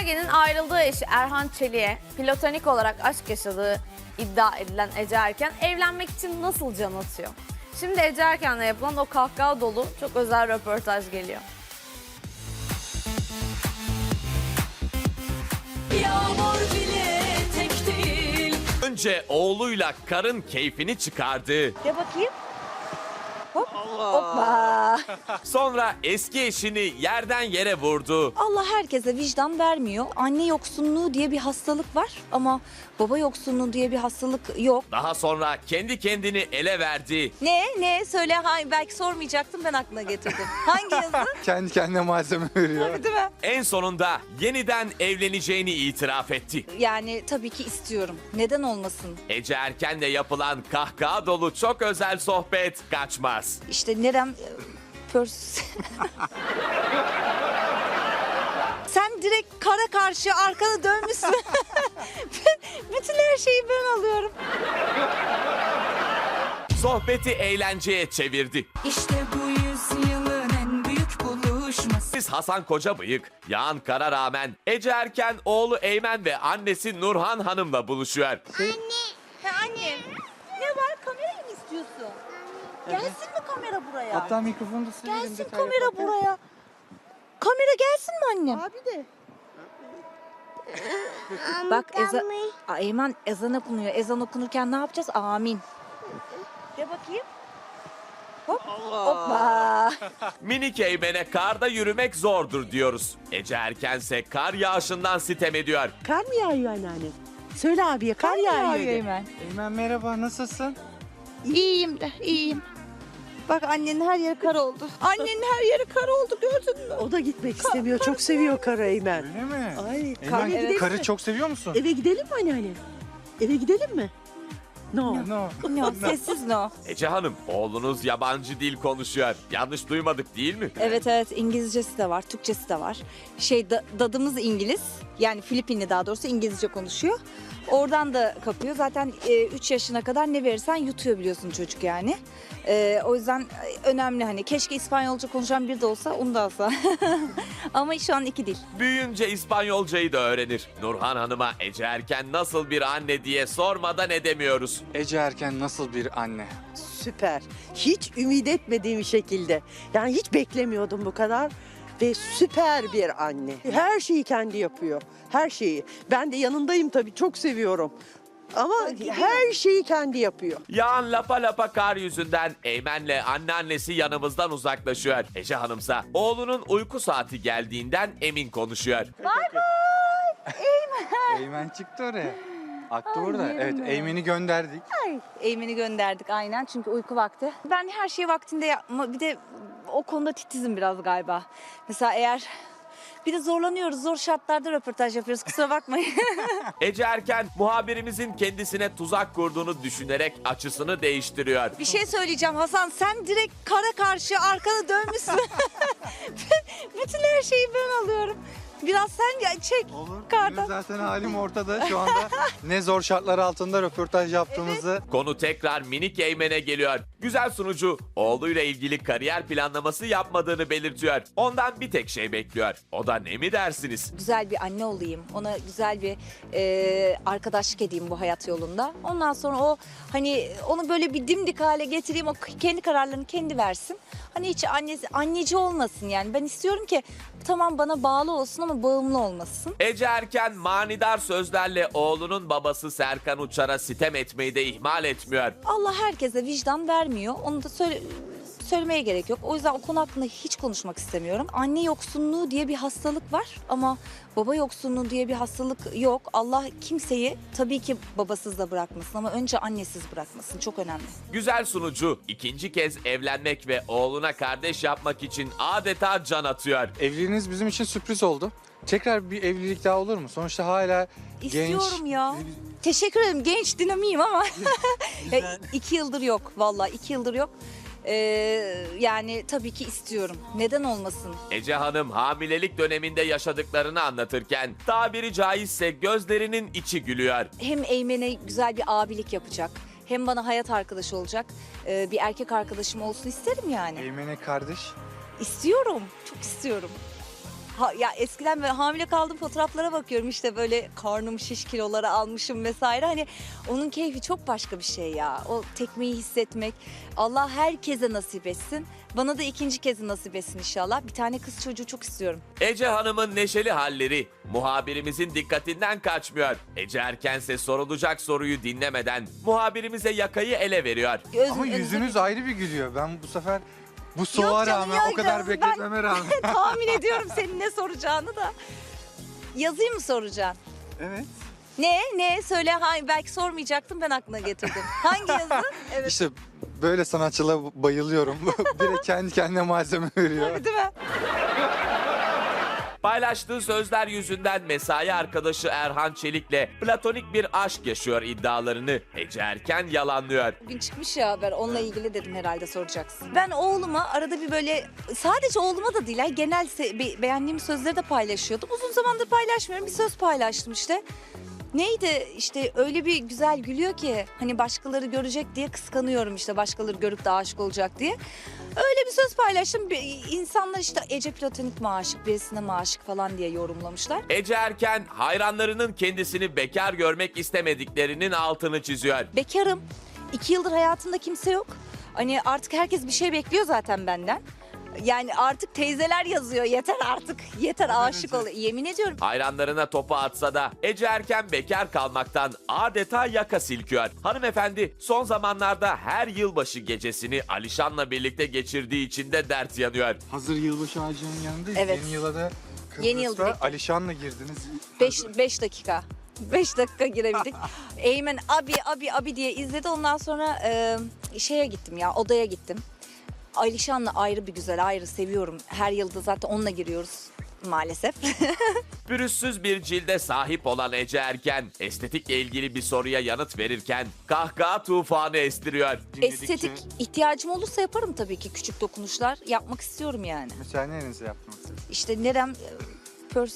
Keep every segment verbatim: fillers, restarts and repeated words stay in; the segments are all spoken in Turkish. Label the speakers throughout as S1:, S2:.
S1: Ergen'in ayrıldığı eşi Erhan Çelik'e platonik olarak aşk yaşadığı iddia edilen Ece Erken evlenmek için nasıl can atıyor? Şimdi Ece Erken'le yapılan o kahkaha dolu çok özel röportaj geliyor.
S2: Yağmur bile tek değil.
S3: Önce oğluyla karın keyfini çıkardı.
S4: De bakayım. Hop. Hoppa.
S3: Sonra eski eşini yerden yere vurdu.
S4: Allah herkese vicdan vermiyor. Anne yoksunluğu diye bir hastalık var ama baba yoksunluğu diye bir hastalık yok.
S3: Daha sonra kendi kendini ele verdi.
S4: Ne? Ne? Söyle. Ha, belki sormayacaktım, ben aklına getirdim. Hangi yazı?
S5: Kendi kendine malzeme veriyor.
S4: Değil mi?
S3: En sonunda yeniden evleneceğini itiraf etti.
S4: Yani tabii ki istiyorum. Neden olmasın?
S3: Ece Erken'le yapılan kahkaha dolu çok özel sohbet kaçmaz.
S4: İşte nerem... Pörs... Sen direkt kara karşı arkanı dönmüşsün. Bütün her şeyi ben alıyorum.
S3: Sohbeti eğlenceye çevirdi.
S2: İşte bu yüzyılın en büyük buluşması.
S3: Biz Hasan Kocabıyık, yağan kara rağmen Ece Erken oğlu Eymen ve annesi Nurhan Hanım'la buluşuyor.
S4: Ha, anne. Ne var? Kamerayı mı istiyorsun? Gelsin mi kamera buraya?
S5: Hatta mikrofonu da silelim.
S4: Gelsin
S5: detay
S4: kamera
S5: yaparken.
S4: buraya. Kamera gelsin mi annem?
S6: Abi de.
S4: Bak ezan... Aa, Eymen ezan okunuyor. Ezan okunurken ne yapacağız? Amin. De bakayım. Hop. Hoppa.
S3: Minik Eymen'e karda yürümek zordur diyoruz. Ece Erkense kar yağışından sitem ediyor.
S6: Kar mı yağıyor anneanne? Söyle abiye kar, yağıyor. de.
S4: Eymen.
S5: Eymen merhaba, nasılsın?
S4: İyiyim de iyiyim. Bak annenin her yeri kar oldu. Annenin her yeri kar oldu, gördün mü?
S6: O da gitmek istemiyor. Çok seviyor karı Eymen.
S5: Öyle mi?
S6: Ay,
S5: Eymen,
S6: karı gidelim
S5: karı
S6: mi?
S5: çok seviyor musun?
S6: Eve gidelim mi anneanne? Eve gidelim mi? No.
S5: No.
S4: No, sessiz no.
S3: Ece Hanım, oğlunuz yabancı dil konuşuyor. Yanlış duymadık değil mi?
S4: Evet evet, İngilizcesi de var, Türkçesi de var. Şey da- dadımız İngiliz, yani Filipinli, daha doğrusu İngilizce konuşuyor. Oradan da kapıyor. Zaten üç yaşına kadar ne verirsen yutuyor, biliyorsun çocuk yani. E, o yüzden önemli, hani keşke İspanyolca konuşan biri de olsa, onu da alsa. Ama şu an iki dil.
S3: Büyüyünce İspanyolcayı da öğrenir. Nurhan Hanım'a Ece Erken nasıl bir anne diye sormadan edemiyoruz.
S5: Ece Erken nasıl bir anne?
S6: Süper. Hiç ümit etmediğim şekilde. Yani hiç beklemiyordum bu kadar. Ve süper bir anne. Her şeyi kendi yapıyor. Her şeyi. Ben de yanındayım tabii. Çok seviyorum. Ama her şeyi kendi yapıyor.
S3: Yağan lapa lapa kar yüzünden Eymen'le anneannesi yanımızdan uzaklaşıyor. Ece Hanımsa oğlunun uyku saati geldiğinden emin konuşuyor.
S5: Eymen çıktı oraya. Aklı burada.
S4: yerim
S5: Evet,
S4: ben.
S5: Eymen'i gönderdik.
S4: Eymen'i gönderdik aynen, çünkü uyku vakti. Ben her şeyi vaktinde yapma, bir de o konuda titizim biraz galiba. Mesela eğer bir de zorlanıyoruz, zor şartlarda röportaj yapıyoruz, kusura bakmayın.
S3: Ece Erken muhabirimizin kendisine tuzak kurduğunu düşünerek açısını değiştiriyor.
S4: Bir şey söyleyeceğim Hasan, sen direkt kara karşı arkanı dönmüşsün. Bütün her şeyi ben alıyorum. Biraz sen ya- çek
S5: Olur.
S4: kardan.
S5: Benim zaten halim ortada. Şu anda ne zor şartlar altında röportaj yaptığımızı.
S3: Konu tekrar minik Eymen'e geliyor. Güzel sunucu oğluyla ilgili kariyer planlaması yapmadığını belirtiyor. Ondan bir tek şey bekliyor. O da ne mi dersiniz?
S4: Güzel bir anne olayım, ona güzel bir e, arkadaşlık edeyim bu hayat yolunda. Ondan sonra o, hani onu böyle bir dimdik hale getireyim, o kendi kararlarını kendi versin. Hani hiç annesi, anneci olmasın yani. Ben istiyorum ki tamam bana bağlı olsun ama bağımlı olmasın.
S3: Ece Erken manidar sözlerle oğlunun babası Serkan Uçar'a sitem etmeyi de ihmal etmiyor.
S4: Allah herkese vicdan vermiyor. Onu da söyle, söylemeye gerek yok. O yüzden o konu hakkında hiç konuşmak istemiyorum. Anne yoksunluğu diye bir hastalık var ama baba yoksunluğu diye bir hastalık yok. Allah kimseyi tabii ki babasız da bırakmasın ama önce annesiz bırakmasın. Çok önemli.
S3: Güzel sunucu ikinci kez evlenmek ve oğluna kardeş yapmak için adeta can atıyor.
S5: Evliliğiniz bizim için sürpriz oldu. Tekrar bir evlilik daha olur mu? Sonuçta hala
S4: İstiyorum
S5: genç.
S4: ya. Teşekkür ederim. Genç dinamiyim ama ya, iki yıldır yok. Vallahi iki yıldır yok. Ee, yani tabii ki istiyorum. Neden olmasın?
S3: Ece Hanım hamilelik döneminde yaşadıklarını anlatırken tabiri caizse gözlerinin içi gülüyor.
S4: Hem Eymen'e güzel bir abilik yapacak. Hem bana hayat arkadaşı olacak. Ee, bir erkek arkadaşım olsun isterim yani.
S5: Eymen'e kardeş.
S4: İstiyorum. Çok istiyorum. Ha, ya eskiden ben hamile kaldığım fotoğraflara bakıyorum işte böyle karnım şiş, kiloları almışım vesaire. Hani onun keyfi çok başka bir şey ya. O tekmeyi hissetmek. Allah herkese nasip etsin. Bana da ikinci kez nasip etsin inşallah. Bir tane kız çocuğu çok istiyorum.
S3: Ece Hanım'ın neşeli halleri muhabirimizin dikkatinden kaçmıyor. Ece Erkense sorulacak soruyu dinlemeden muhabirimize yakayı ele veriyor.
S4: Göz-
S5: Ama
S4: önünüze-
S5: yüzünüz ayrı bir gülüyor. Ben bu sefer bu soğuğa
S4: canım,
S5: rağmen
S4: yok
S5: o kadar
S4: canım, ben-
S5: bekletmeme rağmen.
S4: Tahmin ediyorum senin ne soracağını da. Yazayım mı soracaksın?
S5: Evet.
S4: Ne? Ne? Söyle. Hangi? Belki sormayacaktım, ben aklına getirdim. Hangi yazı? Evet.
S5: İşte böyle sanatçılara bayılıyorum. Direkt kendi kendine malzeme veriyor.
S4: Değil mi?
S3: Paylaştığı sözler yüzünden mesai arkadaşı Erhan Çelik'le platonik bir aşk yaşıyor iddialarını Ece Erken yalanlıyor.
S4: Bugün çıkmış ya haber, onunla ilgili dedim herhalde soracaksın. Ben oğluma arada bir böyle, sadece oğluma da değil, genel se- be- beğendiğim sözleri de paylaşıyordum. Uzun zamandır paylaşmıyorum, bir söz paylaştım işte. Neydi işte, öyle bir güzel gülüyor ki hani başkaları görecek diye kıskanıyorum, işte başkaları görüp de aşık olacak diye. Öyle bir söz paylaştım. Bir- İnsanlar işte Ece platonik mi aşık, birisine mi aşık falan diye yorumlamışlar.
S3: Ece Erken hayranlarının kendisini bekar görmek istemediklerinin altını çiziyor.
S4: Bekarım. İki yıldır hayatımda kimse yok. Hani artık herkes bir şey bekliyor zaten benden. Yani artık teyzeler yazıyor, yeter artık, yeter aşık ol. Yemin ediyorum.
S3: Hayranlarına topu atsa da Ece Erken bekar kalmaktan adeta yaka silkiyor. Hanımefendi son zamanlarda her yılbaşı gecesini Alişan'la birlikte geçirdiği için de dert yanıyor.
S5: Hazır yılbaşı ağacının yanındayız.
S4: Evet.
S5: Yeni yıla da
S4: Yeni yıl
S5: Kıbrıs'ta
S4: direkt.
S5: Alişan'la girdiniz.
S4: Beş, beş dakika. Beş dakika girebildik. Eymen abi abi abi diye izledi. Ondan sonra e, şeye gittim ya, odaya gittim. Alişan'la ayrı bir güzel, ayrı seviyorum. Her yılda zaten onunla giriyoruz maalesef.
S3: Pürüzsüz bir cilde sahip olan Ece Erken estetikle ilgili bir soruya yanıt verirken kahkaha tufanı estiriyor.
S4: Estetik ihtiyacım olursa yaparım tabii ki, küçük dokunuşlar yapmak istiyorum yani.
S5: Mesela nerenize yaptınız siz?
S4: İşte nerem e, pörs.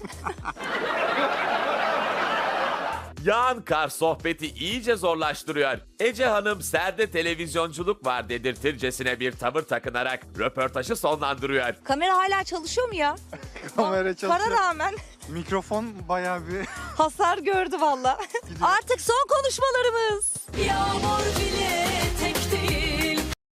S3: Yağan kar sohbeti iyice zorlaştırıyor. Ece Hanım serde televizyonculuk var dedirtircesine bir tavır takınarak röportajı sonlandırıyor.
S4: Kamera hala çalışıyor mu ya?
S5: Kamera çalışıyor.
S4: Kara rağmen
S5: Mikrofon bayağı bir...
S4: hasar gördü valla. Artık son konuşmalarımız.
S2: Yağmur bile